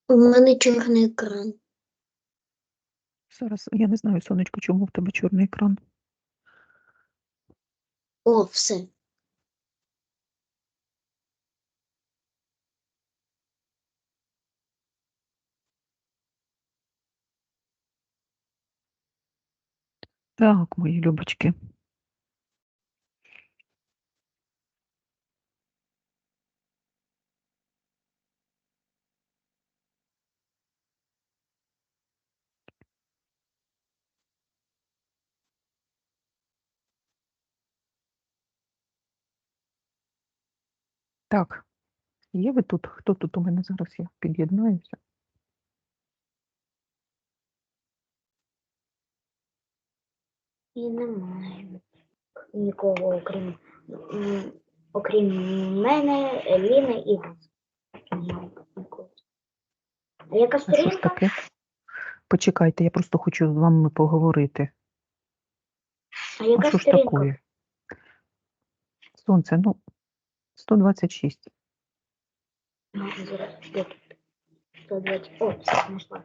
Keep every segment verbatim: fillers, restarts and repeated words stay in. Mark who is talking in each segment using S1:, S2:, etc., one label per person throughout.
S1: У мене чорний екран.
S2: Зараз, я не знаю, сонечко, чому в тебе чорний екран.
S1: О, все.
S2: Так, мої любочки. Так, є ви тут? Хто тут у мене зараз? Я під'єднаюся.
S1: І немає нікого, окрім, м, окрім мене, Еліни і вас. Немає нікого. А яка
S2: А що ж
S1: сторінка?
S2: таке? Почекайте, я просто хочу з вами поговорити.
S1: А
S2: А
S1: яка
S2: що ж
S1: сторінка?
S2: таке? Сонце, ну, сто двадцять шість.
S1: Ну, зараз, де тут? сто двадцять. О, все, знайшла.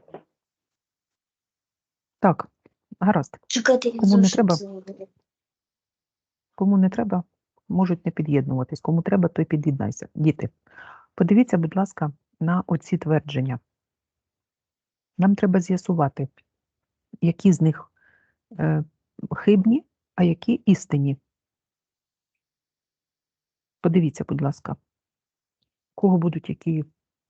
S2: Так, гаразд.
S1: Чекайте, я
S2: Кому не
S1: зошит
S2: треба?
S1: забуду.
S2: Кому не треба, можуть не під'єднуватись. Кому треба, той під'єднайся. Діти, подивіться, будь ласка, на оці твердження. Нам треба з'ясувати, які з них е, хибні, а які істинні. Подивіться, будь ласка, у кого будуть які.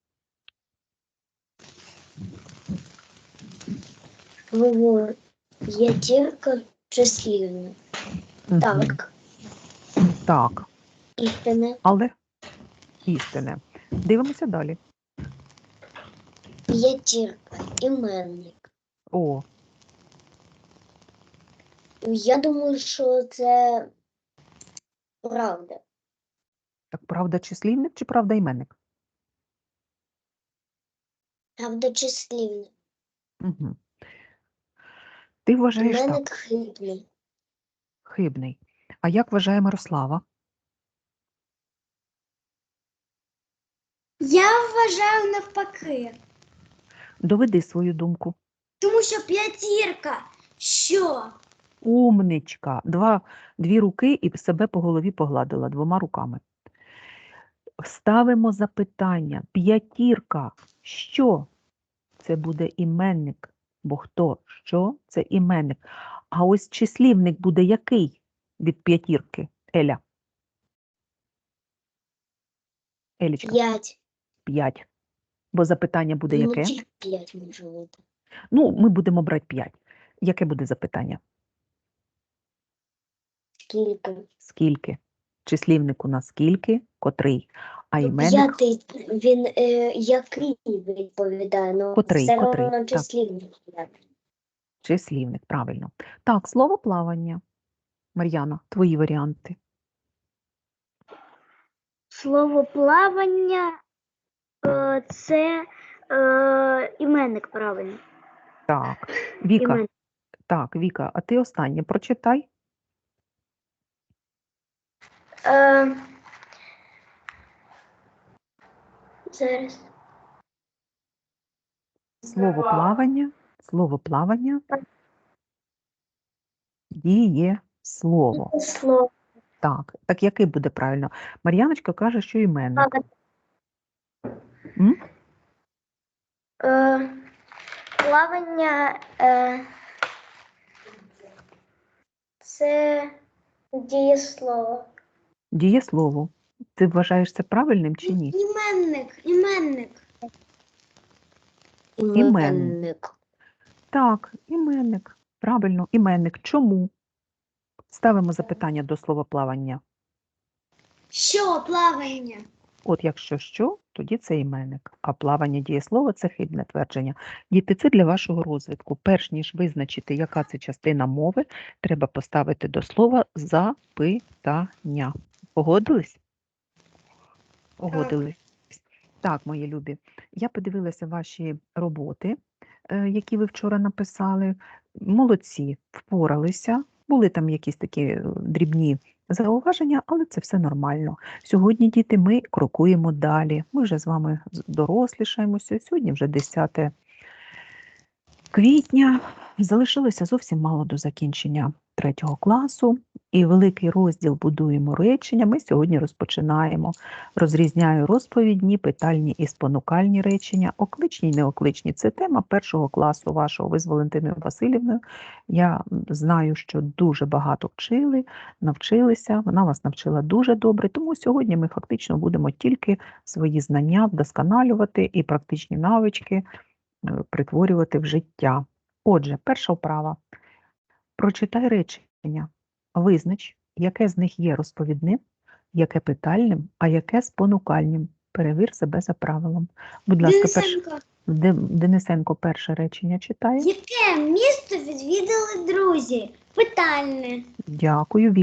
S1: Говорю, п'ятірка числівна.
S2: Мгм.
S1: Так,
S2: Так,
S1: істина.
S2: але істинне. Дивимося далі.
S1: П'ятірка, іменник.
S2: О,
S1: Я думаю, що це правда.
S2: так правда числівник чи правда іменник?
S1: Правда числівна.
S2: Угу. Ти вважаєш
S1: Іменник
S2: так,
S1: хибний.
S2: хибний. А як вважає Мирослава?
S3: Я вважаю навпаки.
S2: Доведи свою думку.
S3: Тому що п'ятірка. Що?
S2: Умничка. Два, дві руки і себе по голові погладила двома руками. Ставимо запитання. П'ятірка. Що? Це буде іменник. Бо хто? Що? Це іменник. А ось числівник буде який від п'ятірки? Еля. Елічка.
S1: П'ять.
S2: П'ять. Бо запитання буде
S1: Ну,
S2: яке?
S1: тільки п'ять може бути.
S2: Ну, ми будемо брати п'ять. Яке буде запитання?
S1: Скільки?
S2: Скільки? Числівник у нас скільки? Котрий? А
S1: Ну,
S2: іменник?
S1: п'ятий, він е, який відповідає, ну
S2: Котрий?
S1: все
S2: Котрий?
S1: одно
S2: Так.
S1: числівник п'ятий.
S2: Числівник, правильно. Так, слово плавання. Мар'яна, твої варіанти.
S3: Слово плавання е, це е, іменник правильно.
S2: Так, Віка,
S3: Іменник.
S2: так, Віка, а ти останнє прочитай.
S1: Е, зараз.
S2: Слово плавання, слово плавання, діє слово.
S1: Слово.
S2: Так, так який буде правильно? Мар'яночка каже, що іменник. М?
S1: Е, плавання е, це дієслово.
S2: Дієслово. Ти вважаєш це правильним чи ні?
S3: Іменник, іменник.
S1: Іменник.
S2: Так, іменник. Правильно, іменник. Чому? Ставимо запитання до слова плавання.
S3: Що плавання?
S2: От якщо що, тоді це іменник. А плавання дієслова – це хибне твердження. Діти, це для вашого розвитку. Перш ніж визначити, яка це частина мови, треба поставити до слова запитання. Погодились? Погодились. Так, мої любі, я подивилася ваші роботи, е, які ви вчора написали. Молодці, впоралися. Були там якісь такі е, дрібні зауваження, але це все нормально. Сьогодні, діти, ми крокуємо далі. Ми вже з вами з- дорослішаємося. Сьогодні вже десяте квітня. Залишилося зовсім мало до закінчення третього класу. І великий розділ «Будуємо речення» ми сьогодні розпочинаємо. Розрізняю розповідні, питальні і спонукальні речення. Окличні і неокличні – це тема першого класу вашого. Ви з Валентиною Васильівною. Я м, знаю, що дуже багато вчили, навчилися. Вона вас навчила дуже добре. Тому сьогодні ми фактично будемо тільки свої знання вдосконалювати і практичні навички е, притворювати в життя. Отже, перша вправа. Прочитай речення. Визнач, яке з них є розповідним, яке питальним, а яке спонукальним. Перевір себе за правилом. Будь ласка, перш...
S3: Денисенко,
S2: Де- Денисенко перше речення читає.
S3: яке місто відвідали друзі? Питальне.
S2: Дякую.